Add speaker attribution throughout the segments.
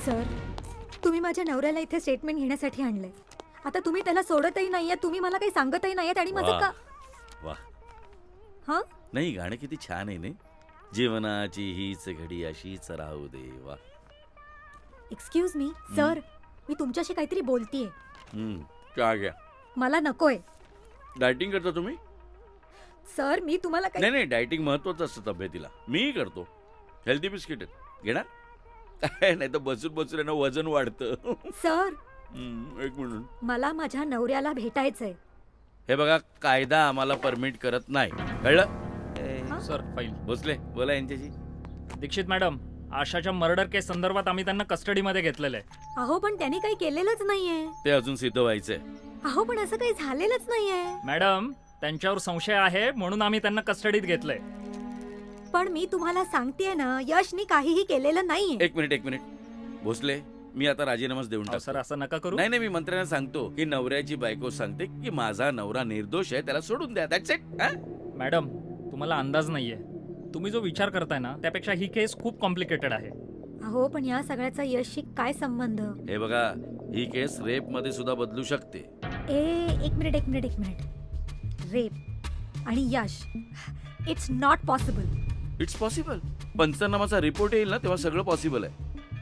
Speaker 1: Sir, तुम्ही माझ्या नवऱ्याला इथे स्टेटमेंट घेण्यासाठी आणले. आता तुम्ही त्याला सोडतही नाहीये, तुम्ही मला काही सांगतही नाहीये आणि माझं का
Speaker 2: वाह
Speaker 1: हा
Speaker 2: नाही गाणं किती छान आहे ना. जीवनाची हीच घडी अशीच राहू दे. वा
Speaker 1: एक्सक्यूज मी सर, मी तुमच्याशी काहीतरी बोलतीये.
Speaker 2: काय घ्या
Speaker 1: मला नकोय
Speaker 2: डायटिंग करता तुम्ही?
Speaker 1: सर. मी तुम्हाला
Speaker 2: नाही नाही डायटिंग महत्वाचं असतं तब्येतीला. मी करतो. हेल्दी बिस्किट घेणार नाही तर बसून बसून आहे ना वजन वाढतं.
Speaker 1: सर,
Speaker 2: एक मिनिट.
Speaker 1: मला माझ्या नवऱ्याला भेटायचंय.
Speaker 2: हे बघा कायदा आम्हाला परमिट करत नाही, कळलं?
Speaker 3: Sir file.
Speaker 2: भोसले बोला यांच्याशी.
Speaker 3: दीक्षित मॅडम, आशाच्या मर्डर केस संदर्भात आम्ही त्यांना कस्टडीमध्ये घेतलेलं आहे.
Speaker 1: अहो पण त्यांनी काही केलेलंच नाहीये.
Speaker 2: ते अजून सिद्ध व्हायचंय.
Speaker 1: अहो पण असं काही झालेलंच नाहीये.
Speaker 3: मॅडम, त्यांच्यावर संशय आहे म्हणून आम्ही त्यांना कस्टडीत घेतलंय.
Speaker 1: पण मी तुम्हाला सांगतेय ना, यशनी काहीही केलेलं नाहीये.
Speaker 2: एक मिनिट भोसले, मी आता राजीनामाच देऊन
Speaker 3: अहो, सर
Speaker 2: टाकतो.
Speaker 3: असं नका करू.
Speaker 2: नाही नाही मी मंत्र्यांना सांगतो की नवऱ्याची बायको सांगते की माझा नवरा निर्दोष आहे, त्याला सोडून द्या. That's it.
Speaker 3: मॅडम, तुम्हाला अंदाज नाहीये. तुम्ही जो विचार करताय ना त्यापेक्षा ही केस खूप कॉम्प्लिकेटेड आहे.
Speaker 1: अहो पण या सगळ्याचा यशशी काय संबंध?
Speaker 2: हे बघा ही केस रेप मध्ये सुद्धा बदलू शकते.
Speaker 1: एक मिनिट. रेप आणि Yash, it's not possible.
Speaker 2: It's possible. पंचनामाचा रिपोर्ट येईल ना तेव्हा सगळं पॉसिबल आहे.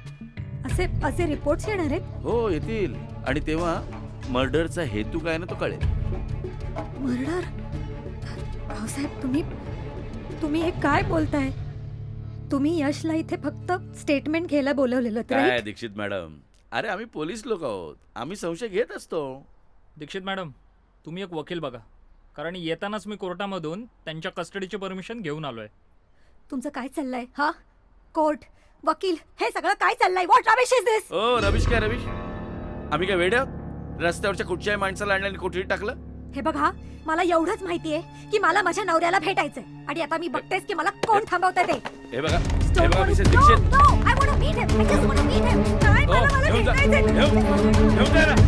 Speaker 1: असे रिपोर्ट्स येणार आहेत?
Speaker 2: हो येतील. आणि तेव्हा मर्डरचा हेतू काय ना तो कळेल.
Speaker 1: मर्डर? भाऊसाहेब, तुम्ही हे काय बोलताय? तुम्ही यशला इथे फक्त स्टेटमेंट घ्यायला बोलवलेलं
Speaker 2: काय दीक्षित मॅडम, अरे आम्ही पोलीस लोक आहोत, आम्ही संशय घेत असतो.
Speaker 3: दीक्षित मॅडम, तुम्ही एक वकील बघा, कारण येतानाच मी कोर्टामधून त्यांच्या कस्टडीची परमिशन घेऊन आलोय.
Speaker 1: तुमचं काय चाललंय? हा, कोर्ट, वकील, हे सगळं काय चाललंय? What rubbish is this?
Speaker 2: ओ रविश, काय रविश, आम्ही काय वेडे आहोत? रस्त्यावरच्या कुठच्याही माणसाला आणल्याने कोठडीत टाकलं?
Speaker 1: हे बघा, मला एवढंच माहितीये की मला माझ्या नवऱ्याला भेटायचंय आणि आता मी बघतेस की मला कोण थांबवतंय ते.
Speaker 2: हे बघा Mrs Dixit.
Speaker 1: No, I want to meet him. I just want to meet him. काय मला
Speaker 2: घेऊन जा
Speaker 1: भेटायचंय.
Speaker 2: घेऊन जा ना.